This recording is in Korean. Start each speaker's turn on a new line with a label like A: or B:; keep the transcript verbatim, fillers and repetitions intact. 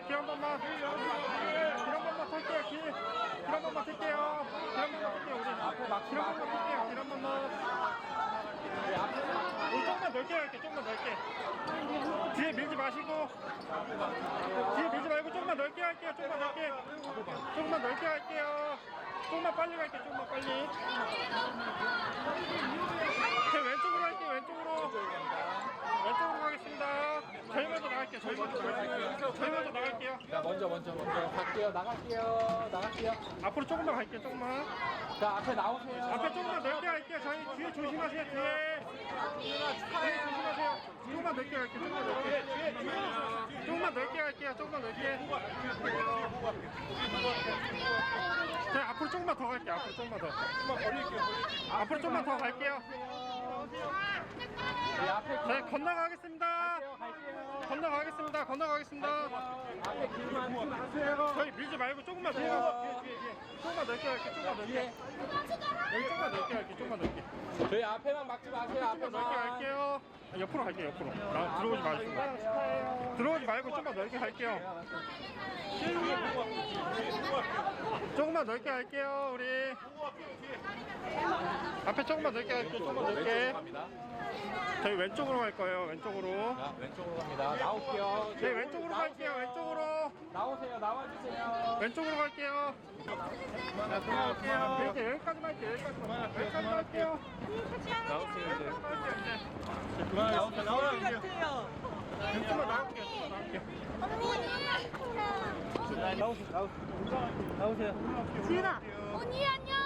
A: 길 한 번만. 길 한 번만 탈게요. 길. 길 한 번만 탈게요. 길 한 번만 탈게요. 우리 앞에 막 길 한 번만 탈게요. 길 한 번만. 우리 조금만 넓게 할게. 조금만 넓게. 뒤에 밀지 마시고. 뒤에 밀지 말고 조금만 넓게 할게요. 조금만 넓게. 조금만 넓게 할게요. 조금만 빨리 갈게요. 조금만 빨리. 제 왼쪽으로 할게요. 왼쪽으로. 왼쪽으로 가겠습니다. 저희 먼저 나갈게요. 저희 먼저 나갈게요. 저희 먼저 나갈게요.
B: 자, 먼저, 먼저, 먼저 갈게요. 나갈게요. 나갈게요.
A: 앞으로 조금만 갈게요. 조금만.
B: 자, 앞에 나오세요.
A: 앞에 조금만 넓게 할게요. 저희 뒤에 조심하세요. 뒤에. 뒤에 조심하세요. 조금만 넓게 갈게요. 조금만 넓게. 조금만 넓게 갈게요. 조금만 넓게. 자, 앞으로 조금만 더 갈게요. 앞으로 조금만 더. 앞으로 조금만 더 갈게요.
B: 네, 앞에
A: 네, 건너가겠습니다.
B: 갈게요.
A: 건너가겠습니다. 건너가겠습니다.
B: 앞에 길만 하지 마세요.
A: 저희 밀지 말고 조금만 더. 뒤에, 뒤에, 뒤에. 조금만 넓게 할게요. 조금만 넓게.
B: 뒤에.
A: 여기 조금만 넓게 할게요. 조금만 넓게.
B: 저희 앞에만 막지 마세요.
A: 조금만 넓게
B: 앞에만.
A: 할게요. 옆으로 갈게요. 옆으로. 나 들어오지 마시고. 들어오지 말고 조금만 넓게 할게요. 조금만 넓게 할게요. 우리 앞에 조금만 넓게 할게요. 조금만
B: 왼쪽으로
A: 넓게.
B: 갑니다.
A: 저희 왼쪽으로 갈 거예요. 왼쪽으로.
B: 자, 왼쪽으로 갑니다. 나올게요.
A: 네, 왼쪽으로 갈게요. 왼쪽으로.
B: 나오세요. 나와주세요.
A: 왼쪽으로 갈게요.
B: 자, 들어갈게요.
A: 이렇게 여기까지만 할게요. 여기까지만. 여기까지만 할게요.
B: 나오세요, 이제.
A: 그만 나올게요. 나와요, 이제. 조금만 나올게요. 조금만 나올게요.
C: 지은아. 언니 안녕.